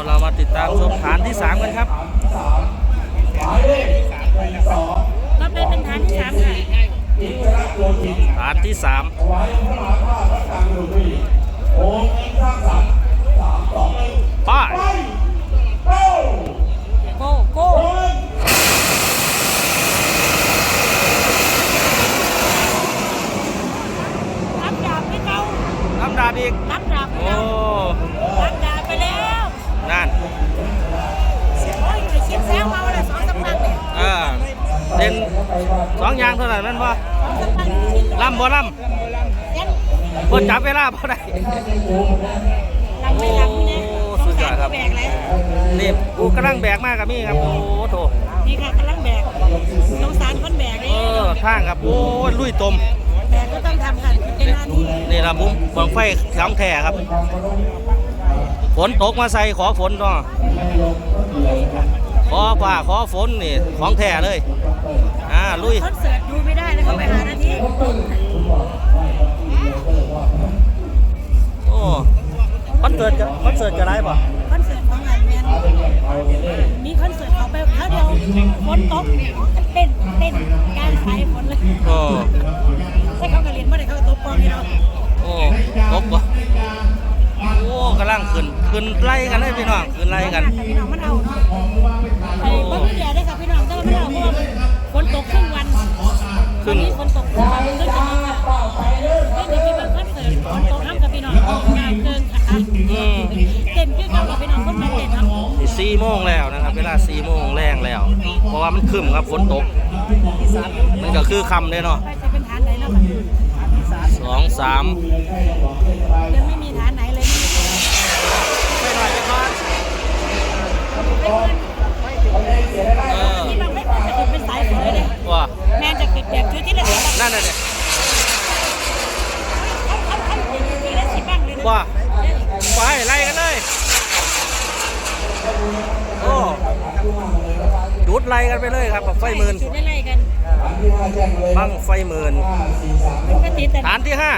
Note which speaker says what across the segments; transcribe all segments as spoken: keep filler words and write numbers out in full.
Speaker 1: เรามาติดตามชมฐานที่สามกันครับ
Speaker 2: ก็เป็นเป็นฐานที่สามค่ะ
Speaker 1: ฐานที่สามป้าย
Speaker 2: โก้โก้รับดาบให้เขา
Speaker 1: รับดาบอีก
Speaker 2: รับดาบ
Speaker 1: โอ้
Speaker 2: รับดาบไปแล้ว
Speaker 1: นั่น
Speaker 2: โอ้ยไปเชียงแซงมาวันละสองสามพันเนี่ย
Speaker 1: เออเด่นสองอย่างเท่านั้นนั่นป่ะลำบ่ลำบ่จับเวลาบ่ได้
Speaker 2: ลำไม่ลำเนี่ย
Speaker 1: สุดยอดครับนี่กูกำลังแบกมากกับมี่ครับโอ้โถ
Speaker 2: นี่ค่ะกำลังแบกสงสารคนแบกเลย
Speaker 1: เออทางครับโอ้ลุยตม
Speaker 2: แบกก็ต้องทำค่ะเป็นหน้าที่
Speaker 1: นี่ละมุ้งบังไฟแข็งแท้ครับฝนตกมาใส่ขอฝนเนาะขอฝ่าขอฝนนี่ของแท้เลยอ่าลุย
Speaker 2: คอนเสิร์ตดูไม่ได้เลยเขาไปหาหน้าที่
Speaker 1: โอ้คอนเสิร์ตจะคอนเสิร์ตจะไรป่ะ
Speaker 2: คอนเสิร์ตของงานแมนมีคอนเสิร์ตเขาไปเขาเดียวฝนตกเต้นเต้นการสายฝนเลย
Speaker 1: โอ้
Speaker 2: ใช่เขากระเรียนเมื่อไหร่เขาตบกองนี่เนาะ
Speaker 1: โอ้ตบป่ะโอ้กำลังขึ้นขึ้นไล่กันเลยพี่น้องขึ้นไล่กัน
Speaker 2: พี่น้องมันเอาเนาะไอ้บ้านพี่ใหญ่ได้ค่ะพี่น้องแต่ว่ามันเอาเพราะว่าฝนตกครึ่งวันคืนนี้ฝนตกครึ่งวันก็จะมีค่ะก็จะมีแบบคอนเสิร์ตฝนตกน้ำกับพี่น้องงานเกินค่ะเต็มคือเก่ากับพี่น้องคนมาเต็มครับ
Speaker 1: สี่โมงแล้วนะครับเวลาสี่โมงแรงแล้วเพราะว่ามันคึมครับฝนตกมันก็คือคำเลยเนาะ
Speaker 2: จะเป็นฐานไหนแล้ว
Speaker 1: สองสาม
Speaker 2: ยังไม่มีฐานไหนเลย
Speaker 1: ไม่หน่อยไม่พอ
Speaker 2: ที่บางไม่จะติดเป็นสายฝนเลย
Speaker 1: ว่า
Speaker 2: แม่จะติดแบบชุดที่ละสิบ
Speaker 1: นั่นน่ะเนี่ย
Speaker 2: เขาเขาเขาติดที่ละสิบบ้างเลยนะ
Speaker 1: ว่าไปไล่กันเลยโอ้ดูดไล่กันไปเลยครับไฟหมื่น
Speaker 2: ได้ไล่กัน
Speaker 1: บังไฟหมื่นฐานที่ห้า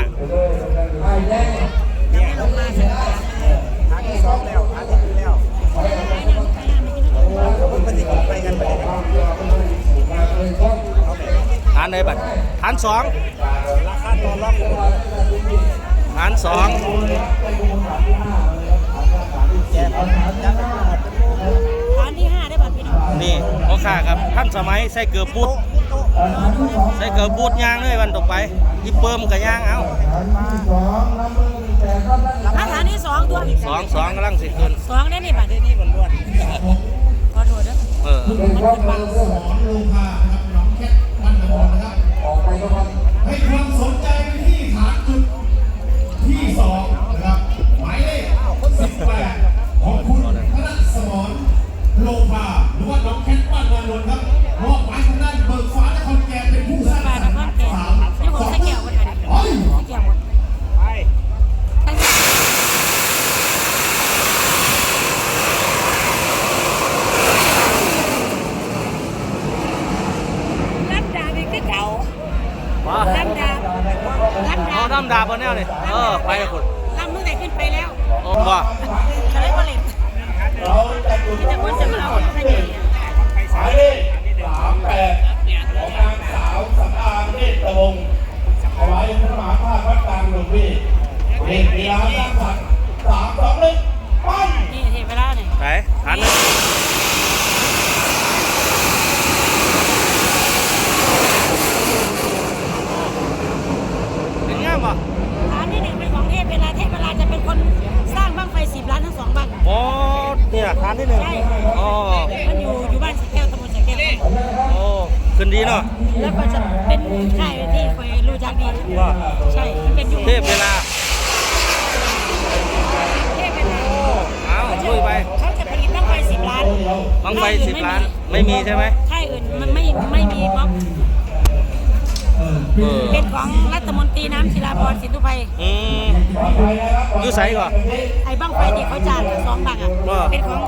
Speaker 1: ฐานไหนบัดฐานสองฐานสอง
Speaker 2: ฐานที่ห้าได้บัดพี่น้อง
Speaker 1: นี่โอเคครับท่านสมัยใส่เกลือปุดใส่เกลือปุดย่างเลยวันต่อไปยิบเปิมกับย่างเอา
Speaker 2: ฐานที่สองตัว
Speaker 1: สองสองกำลังสิขึ้น
Speaker 2: สองได้นี่บัดนี่บนล้วนขอโทษนะ
Speaker 1: เออ
Speaker 3: ให้ความสนใจไปที่ฐานจุดที่สองนะครับหมายเลขสิบแปดของคุณธนสมรโลภาหรือว่าน้องแคทบ้านนวลครับมอบหมายทางด้านเบิกฟ้านครแก่เป็นผู้สร้างสรรค์สาม
Speaker 2: นี่ผมใส่แก้วหมดเลยใส่แก้วหมดไปรับดาบอีกที่เก่ารับดาบรับดาบ
Speaker 1: น้ำดาบนแนวนี่เออไปคุณ
Speaker 2: ทำตั้งแต่ขึ้นไปแล้ว
Speaker 1: โอ้ว่า
Speaker 2: อะไรก็เล่นที่แต่คนจะมาเอาขยาย
Speaker 3: หมายเลขสามแปดของนางสาวสำอางเนตรวงศ์ถวายพระมหาภาควัดกลางหลวงพี่เด็กเวลาสร้างสรรค์สามสองหนึ่งไป
Speaker 2: นี่เทเวลาเนี่ย
Speaker 1: ไปหันเป็นง่ายป่ะ
Speaker 2: ฐานที่หนึ่งเป็นของเทพเวลาเทพเวลาจะเป็นคนสร้างบั้งไฟสิบล้านทั้งสองบั้ง
Speaker 1: โอ้เนี่ยฐานที่หนึ่ง
Speaker 2: ใช่
Speaker 1: อ๋อ
Speaker 2: มันอยู่อยู่บ้านสแก้วตำบลสแก้ว
Speaker 1: โอ้ขึ้นดีเนาะ
Speaker 2: แล้วก็จะเป็นค่ายที่คอยรู้จักดี
Speaker 1: ว่า
Speaker 2: ใช่มันเป็นอยู่
Speaker 1: เทพเวลา
Speaker 2: เทพเวลา
Speaker 1: เอาช่วยไป
Speaker 2: เขาจะผลิตบั้งไฟสิบล้าน
Speaker 1: บั้งไฟสิบล้านไม่มีใช่ไหม
Speaker 2: ค่ายอื่นมันไม่ไม่มีบล็อกเป็นของรัฐมนตรีน้ำศิลาพรสินธุไพ
Speaker 1: อืมยูใส่ก่อน
Speaker 2: ไอ้บั้งไฟที่เขาจ่ายสองบังอ่ะเป็นของ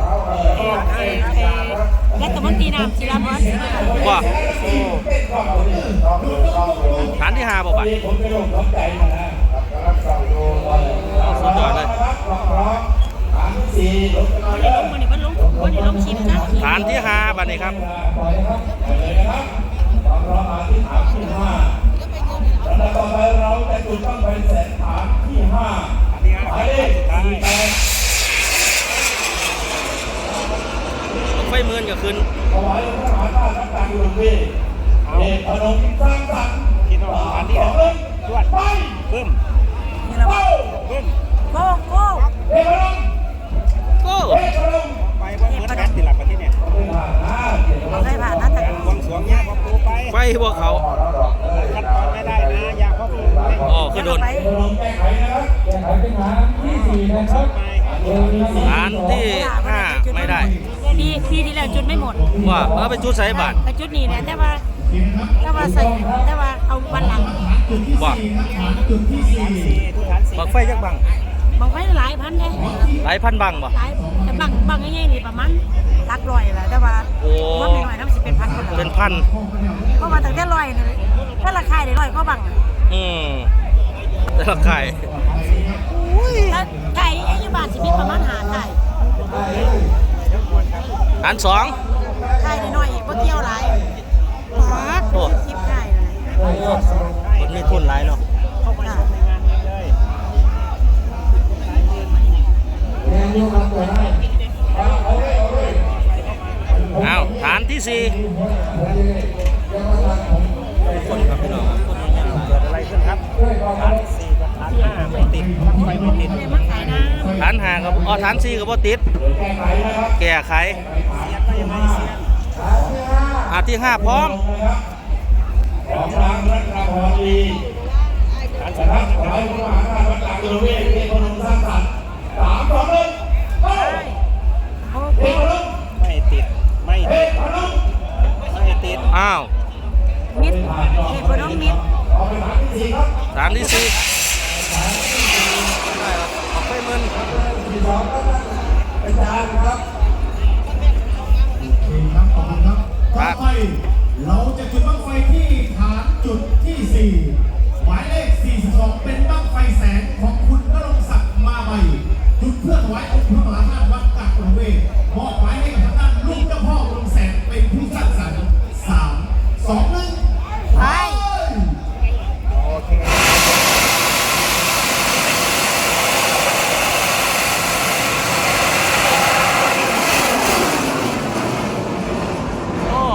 Speaker 2: รัฐมนตรีน้ำศิลาพรสินธุไพ
Speaker 1: ว่าฐานที่ห้าบอกไปสุดยอดเลย
Speaker 3: ที่สี่ลงกันหน่อย
Speaker 2: วัน
Speaker 3: เด้
Speaker 2: นี้
Speaker 3: อ
Speaker 2: ลงวันนี้ลงวันนี้ลงชิมจ้า
Speaker 1: ฐานที่ห้าบัดนี้ครับ
Speaker 3: ปล่อยนะครับไปเลยนะครับตอนเรามาที่ฐานที่ห้าลำดับต่อไปเราจะจุดบั้งไฟแสนฐานที่ห้าหมายเลขสี่แปด
Speaker 1: ไฟหมื่นก็ขึ้น
Speaker 3: ถวายองค์พระมหาธาตุวัดกลางหลวงพี่เอกพนมสร้างสรรค์ที่นอนฐานที่ห้าจวดไปเพิ่ม
Speaker 2: นี่ละ
Speaker 3: เป้า
Speaker 2: โก้โก้
Speaker 3: เอกพนม
Speaker 1: โก้
Speaker 3: เอกพนม
Speaker 4: ไปว่าเหมือนกันติดหลักประเทศเนี่ย
Speaker 3: ไม่ผ่านนะเกียรติ
Speaker 2: เราได้ผ่านนะแต่
Speaker 4: บวงสรวงเนี่ยพ่อปูไป
Speaker 1: ไฟพวกเขา
Speaker 4: ขั้นตอนไม่ได้นะอยากพ่อปูไป
Speaker 1: อ๋อคือโดน
Speaker 2: ไป
Speaker 3: เอกพนมแก้ไขนะครับแก้ไขเป็นฐานที่สี่นะครับ
Speaker 4: ไป
Speaker 1: ฐานที่ห้าไม่ได้
Speaker 2: ปีปีที่แล้วจุดไม่หมด
Speaker 1: ว่าเอาไปจุดใส่บาท
Speaker 2: ไปจุดนี้เนี่ยแต่ว่าแต่ว่าใส่แต่ว่าเอาวันหลัง
Speaker 3: จุดที่
Speaker 1: ว่า
Speaker 3: สี่ครับฐานจุดที่สี่
Speaker 4: สี่ทุกฐานสี่
Speaker 1: ปักไฟจักบัง
Speaker 2: บางไฟหลายพันเลย
Speaker 1: หลายพันบังบ่
Speaker 2: หลายแต่บางบางง่ายๆนี่ประมาณหลักร้อยแหละแต่ว่า
Speaker 1: โอ้
Speaker 2: ว่าไม่น้อยน้ำสิเป็นพันคน
Speaker 1: เป็
Speaker 2: ละ
Speaker 1: นพัน
Speaker 2: เพราะว่าตั้งแต่ร้อยนี่ถ้าราคาได้ร้อยก็บาง
Speaker 1: อืมแต่ละไข่
Speaker 2: ถ้าไก่อายุบานสิมีประมาณหาไก่
Speaker 1: ฐานสอง
Speaker 2: ไก่น้อยๆบ่เกี่ยวหลาย
Speaker 1: โอ้
Speaker 2: สิบไก่เลย
Speaker 1: คนมีทุนหลายเนาะ
Speaker 2: จ้ะ
Speaker 4: เลย
Speaker 1: อ้าวฐานที่สี่คนครับพี่น้องคนยังหลาย
Speaker 4: เกิดอะไรขึ้นครับฐานสี่กับฐานห้าไม่ติดไฟไม่ติด
Speaker 2: เลยมาขายน้
Speaker 1: ฐานห้ากับอ๋อฐานสี่กับบ่ติด แก้ไข
Speaker 4: เสียก็ยังไม่เสีย
Speaker 1: อาที่ห้าพร้อม
Speaker 3: ของรางรัตนพรดี
Speaker 4: ฐาน
Speaker 3: ส
Speaker 4: สี่
Speaker 3: นับถวายพระมหาธาตุวัดกลางหลวงพี่เอกพนมสร้างสรรค์สามสองหนึ่งเป้า
Speaker 2: ำโอ้
Speaker 3: เอกพนม
Speaker 4: ไม่ติดไม่
Speaker 3: เอ
Speaker 4: ติด
Speaker 3: กพนม
Speaker 4: ไม่ติด
Speaker 1: อ้าว
Speaker 2: มิดเอกพนมมิด
Speaker 3: เอาไปฐานที่สี่ครับ
Speaker 1: ฐานที่สี่ได้ครับออกไฟหมื่น
Speaker 3: ที่สองครับอาจารย์ครับโอเคครับขอบคุณครับต่อไปเราจะจุดบั้งไฟที่ฐานจุดที่สี่หมายเลขสี่สิบสองเป็นบั้งไฟแสงของคุณณรงค์ศักดิ์มาใบจุดเพื่อถวายองค์พระมหาธาตุวัดกักหลวงเวทมอบหมายให้กับทางด้านลูกเจ้าพ่อลงแสงเป็นผู้สร้างสรรค์สามสองหนึ่ง
Speaker 2: ไป
Speaker 4: โอเค
Speaker 1: โอ้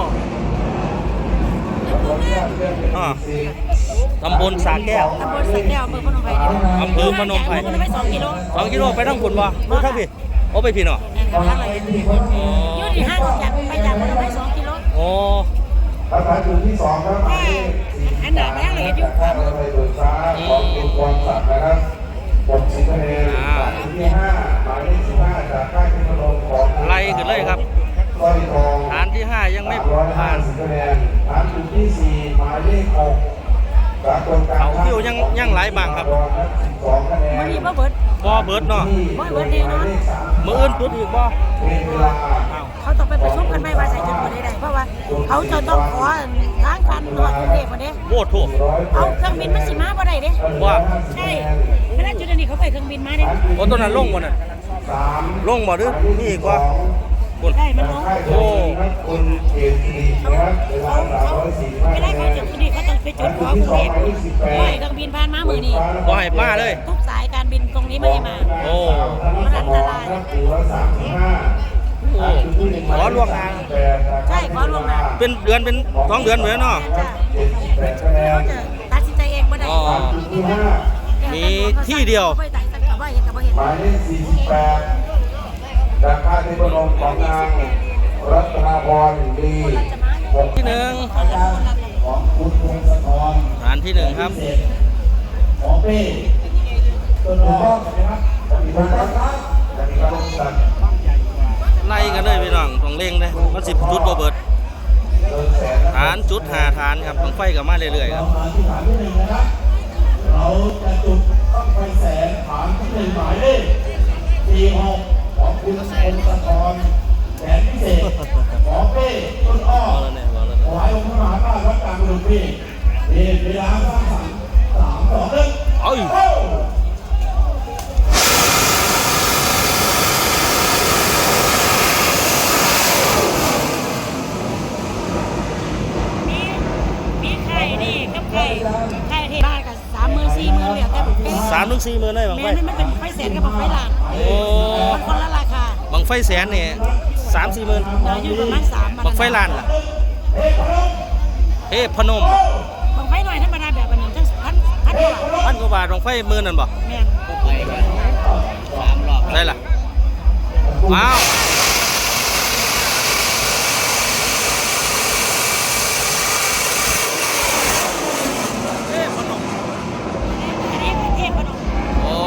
Speaker 1: อ่าตำบลสาแก้ว
Speaker 2: ตำบลสักแก้วอำเภอพนมไพร
Speaker 1: อำเภอพนมไพร
Speaker 2: พนมไพรสองกิโล
Speaker 1: สองกิโลไปทั้งฝุ่นบ่หรือทั้งพี่โอ้ไปพี่เนาะ
Speaker 2: แอนทางอะไรอยู่ที่ห้างจากไปจากพนมไพรสองกิโล
Speaker 1: โอ้
Speaker 3: ฐานจุดที่สองครับหมายเลขสี่
Speaker 2: อันหนาแม่เลยอยู่ความ
Speaker 3: ไปเบิกฟ้าของคุณความศักดิ์นะครับหกสิบคะแนนฐานจุดที่ห้าหมายเลขสิบห้าจากค่ายเทคโนโลยีของ
Speaker 1: ไล่ขึ้นเลยครับ
Speaker 3: สร้อยทอง
Speaker 1: ฐานที่ห้ายังไม่
Speaker 3: ร้อยห้า
Speaker 1: ผ่าน
Speaker 3: สิบคะแนนฐานจุดที่สี่หมายเลขหกสากลการ
Speaker 1: เอาคิวยังยังหลายบางครับ
Speaker 3: สิบสองคะแนน
Speaker 2: มันมีบ่เบิด
Speaker 1: บ่เบิดเนาะ
Speaker 2: บ่เบิดแน่นอน
Speaker 1: มื้ออื่นจุดอีกบ่
Speaker 3: เป็นเวลา
Speaker 1: อ้าว
Speaker 2: เขาต้องไปประชุมกันไม่ว่าใส่จุดบ่ได้เพราะว่าเขาจะต้องขอทางการตรวจกรุงเทพมาเด้
Speaker 1: โบถูก
Speaker 2: เอาเครื่องบินมาสิมาบ่ได้เด้
Speaker 1: ว่า
Speaker 2: ใช่เวลาจุดอันนี้เขาไปเครื่องบินมาเด้
Speaker 1: โอ้ตัวนั้นลงบ่น่ะ
Speaker 3: สาม
Speaker 1: ลงบ่หรือมีอีกว่าคุณ
Speaker 2: ได้มันลง
Speaker 3: โอ้คุณเกียรตินะครับเวลาสามร้อยสี่สิบห้า
Speaker 2: เวลาเขาจุดที่นี่เขาต้องไปจุดขอกรุงเทพปล่อยเครื่องบินผ่านมามื้อนี้
Speaker 1: บ่ให้มาเลย
Speaker 2: ทุกสายการบินตรงนี้ไม่ให้มา
Speaker 1: โอ้
Speaker 2: มันอันตราย
Speaker 3: สี่ร้อยสามสิบห้า
Speaker 1: โอ้ขอล่วงหน้า
Speaker 2: ใช่ขอล่วงหน้า
Speaker 1: เป็นเดือนเป็นสองเดือนเหมือนเนาะ
Speaker 2: จ้ะ
Speaker 3: เจ็ดสิบแปดคะแน
Speaker 2: เขา
Speaker 3: น
Speaker 2: จะตัดสินใจเองบ่ได้
Speaker 1: อ๋อ
Speaker 3: จุดที่ห้า
Speaker 1: มีที่เดียว
Speaker 2: ไม่ตัดสินใจว่าเห็นกับบ่เห็น
Speaker 3: หมายเลขสี่สิบแปดจากค่ายเทพนมของนางรัตนาพรดีหก
Speaker 1: ที่หนึ่ง
Speaker 3: ของคุณพงศธร
Speaker 1: ฐานที่หนึ่งครับ
Speaker 3: ของเป้ต้นอ้อนะครับจะมีการรักจะมีการลงสัตว์
Speaker 1: ไล่กันเลยพี่น้องต้องเร่งเลยมันสิบจุดบ่เบิด
Speaker 3: เดินแสน
Speaker 1: ฐานจุดหาฐานครับต้องไฟกับมาเรื่อยๆค
Speaker 3: เรา
Speaker 1: รับ
Speaker 3: มาที่ฐานที่หนึ่งนะครับ เราจะจุดต้องไฟแสนฐานที่หนึ่งหมายเลขสี่หกของคุณพงศธรแสนพิเศษของเป้ต้นอ้อ
Speaker 1: เอาแล้วเนี่ยเอาแล้ว
Speaker 3: ถวายองค์พระมหาธาตุวัดกลางหลวงพี่เรียนเวลาสร้างสรรค์สามสองหนึ่ง
Speaker 1: เอ้ย
Speaker 3: โอ้
Speaker 1: งสี่หมื่นเลยบัง
Speaker 2: แม่
Speaker 1: ไฟ
Speaker 2: นี่มันเป็นบังไฟแสนกับบังไฟล้าน
Speaker 1: โอ้
Speaker 2: มันคนละราคา
Speaker 1: บังไฟแสนนี่สามสี่หมื่น
Speaker 2: เราอยู่ประมาณสาม
Speaker 1: บังไฟล้านล่ะเฮ้พนม
Speaker 2: บังไฟหน่อยธรรมดาแบบอันนี้จังพันพันกว่าบาท
Speaker 1: พันกว่าบาทบังไฟหมื่นนั่นบ่
Speaker 2: แม่น
Speaker 1: ได้ล่ะว้าว
Speaker 2: อันนี้เป็นเทพพนม
Speaker 1: โอ้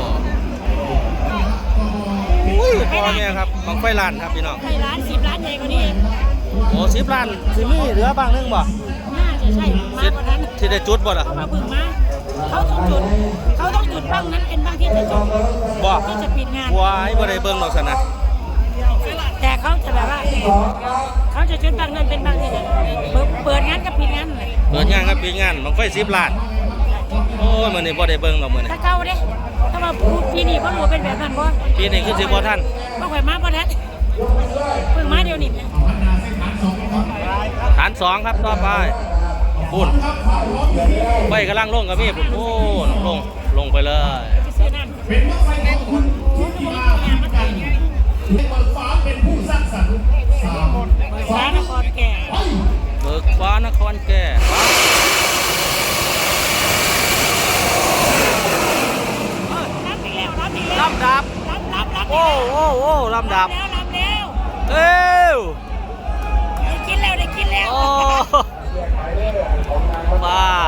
Speaker 1: อุ้ยพอเนี่ยครับบังไฟล้านครับพี่น้อง
Speaker 2: ไฟล้านสิบล้านใหญ่กว่านี้เอง
Speaker 1: โอ้สิบล้านสิมีเหลือบ้างนึงบ่
Speaker 2: น่าจะใช่มากกว่านั้น
Speaker 1: ที่ได้จุดบ่ล่ะ
Speaker 2: เขามาพึ่งมาเขาต้องจุดเขาต้องจุดบ้างนั้นเป็นบ้างที่จะจบ
Speaker 1: บ่
Speaker 2: ที่จะปิดงาน
Speaker 1: วายบ่ได้เบิ่งดอกสนะ
Speaker 2: แต่เขาจะแบบว่าเขาจะจุดบ้างนั้นเป็นบ้างที่จะเปิดเปิดงานกับปิดงานเลย
Speaker 1: เปิดงานครับปีงานบังไฟสิบล้านโอ้ยมื้อนี้บ่ได้เบิ่งดอกมื้อนี้
Speaker 2: ถ้าเก่าเด้ถ้ามาพูดปีนี้ก็รู้เป็นแบบนั้นบ่
Speaker 1: ปีนี้คือสิบ่ทัน
Speaker 2: บ่ข่อยมาบ่ทันเพิ่งมาเดี๋ยวนี้
Speaker 1: ฐานสองครับต่อไปปุ่นไฟกำลังลงกับมีปุ่นโอ้ลงลงไปเลย
Speaker 2: ซื้อน้ำ
Speaker 3: เป็นบั้งไฟของคุณที่ดีมากกันเปิดฟ้าเป็นผู้สร้างสรรค์สาม
Speaker 2: ฟ้านครแก่
Speaker 1: เบิกฟ้านครแก่ฟ้า
Speaker 2: รับอีกแล้วรับอีกแล้ว
Speaker 1: ลำดับ
Speaker 2: รับรับรับ
Speaker 1: โอ้โอ้โอ้ลำดับ
Speaker 2: แล้วรับแล้ว
Speaker 1: เอ้ว
Speaker 2: ได้กินแล้วได้กินแล้ว
Speaker 1: โอ้ว้า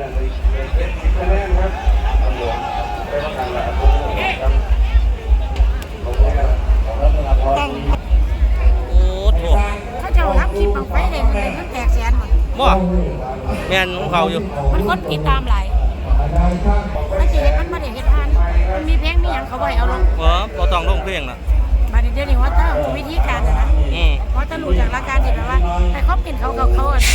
Speaker 2: ต้อง
Speaker 1: โอ้โถ
Speaker 2: เขาจะรับคลิปบังไฟเลยมันเลยมันแตกแสนหมด
Speaker 1: บ่แม่นของเขาอยู่
Speaker 2: มันคนติดตามหลายมันจะเห็นมันมาเด็กเห็นทานมันมีเพลงมีอย่างเขาไว้เอาลง
Speaker 1: เออบ่ต้องลงเพลงน่ะ
Speaker 2: มาเดี๋ยวนี้ว่าถ้าวิธีการนะนะ
Speaker 1: อืม
Speaker 2: เพราะถ้ารู้จากหลักการที่แบบว่าให้เขาเป็นเขาเขาเขาอ่ะ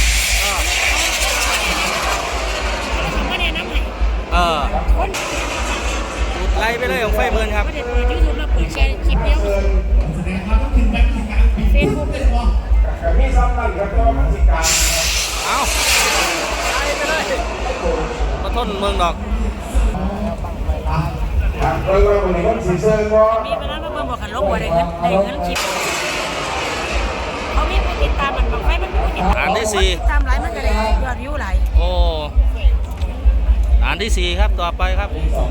Speaker 2: ไม่ได้น้ำให้
Speaker 1: เออ
Speaker 2: คน
Speaker 1: จุดไล่ไปเลยของไฟหมื่นครับ
Speaker 2: ไม่ได้เปิดยูทูบแล้วเปิดแชร์คลิปเดียว
Speaker 3: แสดงความต้องการการการปิด
Speaker 2: เฟซบุ๊ก
Speaker 3: มีซ้ำนั่นครับก็มันสิการ
Speaker 1: เอาไล่ไปเลยบ่ทนเมืองดอก
Speaker 3: เรื่องว่าวันนี้วันสีเสื้อก็
Speaker 2: มีเวลามาเบิ่งบอกกันลงว่าได้เงินได้เงินคลิปเขามีผู้ติดตามมันบางไฟมันมีผู้ติดตาม
Speaker 1: อันที่สี่
Speaker 2: ติดตามหลายมันก็ได้ยอดวิวหลาย
Speaker 1: โอ้อันที่สี่ครับต่อไปครับ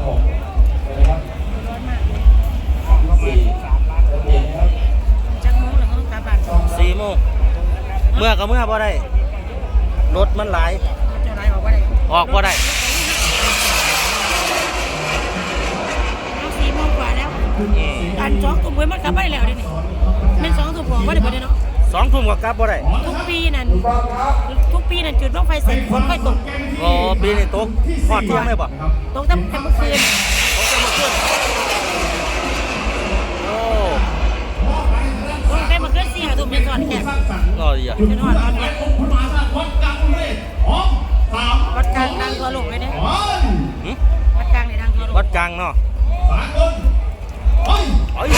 Speaker 2: จังมูหรือเขาต้องกลับบ้าน
Speaker 1: สี่โมงเมื่อก็เมื่อบ่ได้รถมันหลาย
Speaker 2: เจ้านายบอกว่าได้
Speaker 1: ออกบ่ได้
Speaker 2: เอาสี่โมงกว่าแล้วอันสองทุ่มเว้ยมันกลับไปแล้วเดี๋ยวนี้เป็นสองทุ่มบอกว่าเดี๋ยวเดี๋ยวเนาะ
Speaker 1: สองทุ่มก็กลับบ่ได้
Speaker 2: ทุกปีนั่นทุกปีนั่นจุดบ้างไฟเสร็จฝนค่อยตก
Speaker 1: โอ้ปีนี้ตกพอดเที่ยงเลยบ่
Speaker 2: ตกตั้งแต่เมื่อคืน
Speaker 1: ตกแต่เมื่อคืนโอ้
Speaker 2: ตกตั้งแต่เมื่อคืนสี่ห้าทุ่มจนก่อนแค่
Speaker 1: นอดีอ่ะ
Speaker 2: จนก่อนตอนเนี้ย
Speaker 3: คุณมาสร้างวัดกลางเลยพร้อมสาม
Speaker 2: วัดกลางดังทั่วโลกเลยเนี่ย
Speaker 3: วัน
Speaker 1: หึ
Speaker 2: วัดกลางเนี่ยดังทั่วโลก
Speaker 1: วัดกลางเนาะ
Speaker 3: สากลเฮ้ย
Speaker 1: เอ้ย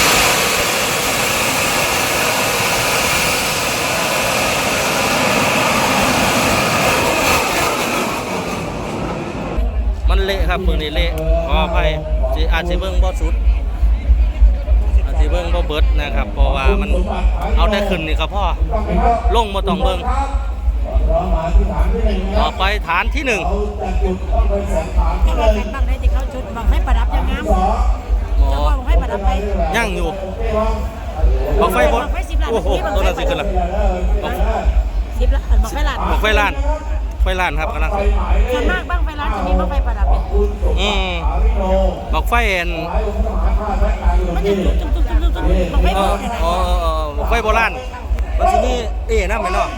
Speaker 1: มันเละครับมือนี้เละขออภัยสิอาจสิเบิ่งบ่สุดอาจสิเบิ่งบ่เบิดนะครับ เพราะว่ามันเอาแต่ขึ้นนี่ก็พอลงบ่ต้องเบิ่งต่อไปฐานที่หนึ่ง
Speaker 2: ที่ว่าเป็นบางได้ที่เขาจุดบางให้ประดับยังงาม
Speaker 1: อ๋อ
Speaker 2: จะว่าบางให้ประดับไป
Speaker 1: ย่างอยู่บังไฟบด
Speaker 2: บังไฟสิบล้าน
Speaker 1: โอ้โหตัวนั้นสิขึ้นละบัง
Speaker 2: สิบล้านบางไฟล้าน
Speaker 1: บังไฟล้านไฟล้านครับกำลัง
Speaker 2: ส่วนมากบางไฟล้านจะมีบางไฟประดับเนี่ย
Speaker 1: อืมบังไฟเอ็น
Speaker 2: มันจะตุ้มตุ้มตุ้มตุ้มตุ้มบางไฟ
Speaker 1: เอ
Speaker 2: โบ
Speaker 1: อ
Speaker 2: ราณ
Speaker 1: เออเออบังไฟโบราณมันสิมีเอ๋น้ำไหมเนาะ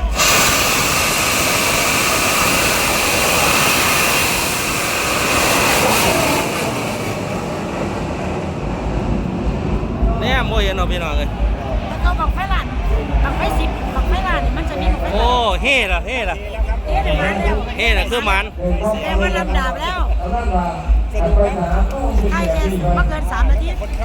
Speaker 1: เนี่ยโมเห็นเอาพี่น้องเลย
Speaker 2: แล้วก็บางไฟล้านบางไฟสิบบางไฟล้านเนี่ยมันจะมีบางไฟ
Speaker 1: โอ้เฮ่ละเฮ่ละ
Speaker 2: เอ๊ะเดี๋ยวมันแล้ว
Speaker 1: เฮ่ละคือมัน
Speaker 2: แต่มันลำดับแล้วใช่แค่ไม่เกินสามนาที